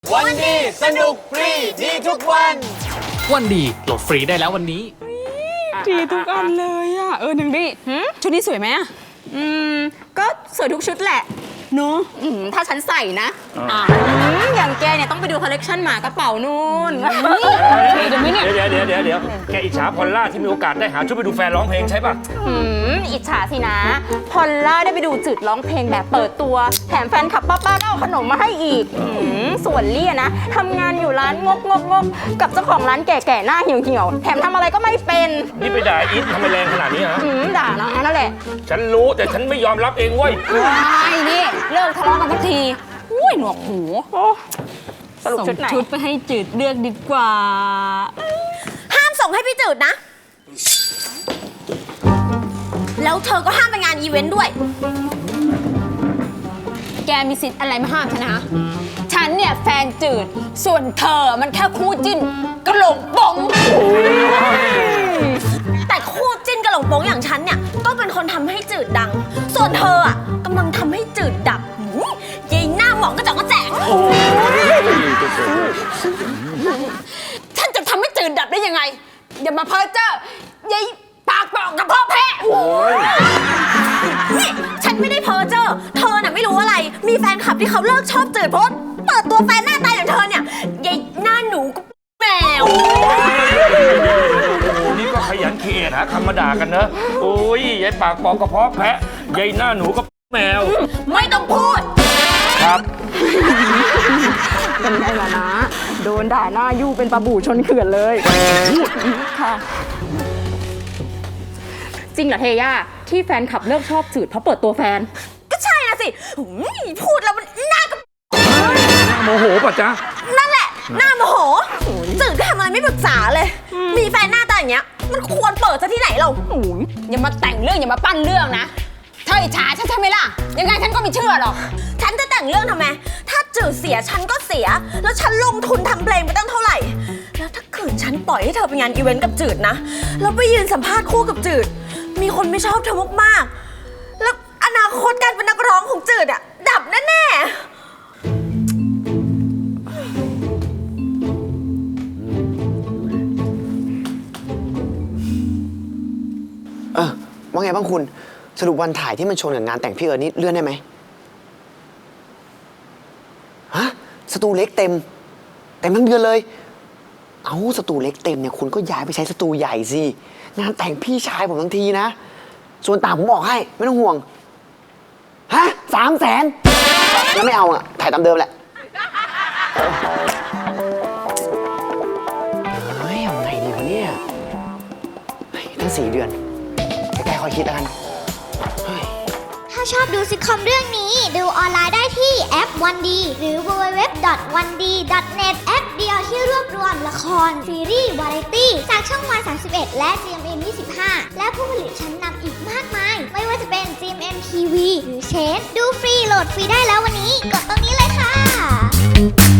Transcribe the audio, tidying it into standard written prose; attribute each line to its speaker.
Speaker 1: วันดีสนุกฟรีดีทุกวัน
Speaker 2: วันดีโหลดฟรีได้แล้ววันนี้
Speaker 3: ดีทุกอันเลยอ่ะหนึ่งดิชุดนี้สวยไหมอ่ะก็สวยทุกชุดแหละเนาะถ้าฉันใส่นะอย่างแกเนี่ยต้องไปดูคอลเลกชันหมากระเป๋านู่นเดี๋ยวไม่เนี่ย
Speaker 4: เดี๋ยวแกอิจฉาพอลล่าที่มีโอกาสได้หาชุดไปดูแฟนร้องเพลงใช่ป่ะ
Speaker 3: อิจฉาสินะพอลล่าได้ไปดูจืดร้องเพลงแบบเปิดตัวแถมแฟนคลับป้าๆก็เอาขนมมาให้อีกส่วนเลี่ยนะทำงานอยู่ร้านงกกับเจ้าของร้านแก่ๆหน้าเหี่ยวแถมทำอะไรก็ไม่เป็น
Speaker 4: นี่ไปด่าอีททำไมแรงขนาดนี้ฮะ
Speaker 3: ด่านะนั่นแหละ
Speaker 4: ฉันรู้แต่ฉันไม่ยอมรับเองเว้ย
Speaker 3: ไอ้นี่เลิกทะเลาะกันสักทีอุ้ยหนวกหูสรุปชุดไหนชุดไปให้จืดเลือกดีกว่า
Speaker 5: ห้ามส่งให้พี่จืดนะ แล้วเธอก็ห้ามไปงานอีเวนต์ด้วย
Speaker 3: แกมีสิทธิ์อะไรมาห้ามฉันนะฉันเนี่ยแฟนจืดส่วนเธอมันแค่คู่จิ้นกระโหลกบง
Speaker 5: แต่คู่จิ้นกระหลงโป้งอย่างฉันเนี่ยก็เป็นคนทำให้จืดดัง ส่วนเธออ่ะกำลังทำให้จืดดับยิงหน้าหมองกระจอกกระแจง
Speaker 3: ฉันจะทำให้จืดดับได้ยังไงอย่ามาเพ้อเจ้อยัยปากบอกกับพ่อแพะ
Speaker 5: นี่ฉันไม่ได้เพ้อเจ้อเธอน่ะไม่รู้อะไร มีแฟนคลับที่เขาเลิกชอบจืดเพราะเปิดตัวแฟนหน้าตาอย่างเธอเนี่ยยิงหน้าหนูก็แมว
Speaker 4: นี่ก็ขยันเขียนหาคำมาด่ากันเนอะโอ้ยยายปากปอกกระเพาะแพะยายหน้าหนูก็แมว
Speaker 5: ไม่ต้องพูด
Speaker 4: ครับ
Speaker 3: เป็นไงล่ะนะโดนด่าหน้ายู่เป็นปลาบู่ชนเขื่อนเลยค่ะจริงเหรอเทย่าที่แฟนขับเลิกชอบจืดเพราะเปิดตัวแฟน
Speaker 5: ก็ใช่นะสิพูดแล้วมันน่ากับ
Speaker 4: โมโหป่ะจ๊ะ
Speaker 5: นั่นแหละหน้าโมโหจืดก็ทำอะไรไม่ปรึกษาเลย มีแฟนหน้าตาอย่างเงี้ยมันควรเปิดซะที่ไหนเรา
Speaker 3: อย่ามาแต่งเรื่องอย่ามาปั้นเรื่องนะเธออิจฉาฉันใช่ไหมล่ะยังไงฉันก็ไม่เชื่อหรอก
Speaker 5: ฉันจะแต่งเรื่องทำไมถ้าจืดเสียฉันก็เสีย แล้วฉันลงทุนทำเพลงไปตั้งเท่าไหร่ แล้วถ้าขืนฉันปล่อยให้เธอไปงานอีเวนต์กับจืดนะแล้วไปยืนสัมภาษณ์คู่กับจืดมีคนไม่ชอบเธอมากๆแล้วอนาคตการเป็นนักร้องของจืดอะดับแน่ๆ
Speaker 1: ว่าไงบ้างคุณสรุปวันถ่ายที่มันชนกับงานแต่งพี่เอิร์ธนี่เลื่อนได้ไหมฮะสตูเล็กเต็มทั้งเดือนเลยเอาสตูเล็กเต็มเนี่ยคุณก็ย้ายไปใช้สตูใหญ่สิงานแต่งพี่ชายผมทั้งทีนะส่วนต่างผมบอกให้ไม่ต้องห่วงฮะ300,000แล้วไม่เอาอ่ะถ่ายตามเดิมแหละเฮ้ยเอาไงดีวะเนี่ยตั้ง4 เดือนใกล้ๆคอยคิดแล้วกัน
Speaker 6: ถ้าชอบดูซิทคอมเรื่องนี้ดูออนไลน์ได้ที่แอปวันดีหรือ www.1d.net แอปเดียวที่รวบรวมละคร ซีรีส์วาไรตี้จากช่องวัน 31 และ GMM 25 และผู้ผลิตชั้นนำอีกมากมาย ไม่ว่าจะเป็น GMM TV หรือเชนดูฟรีโหลดฟรีได้แล้ววันนี้กดตรง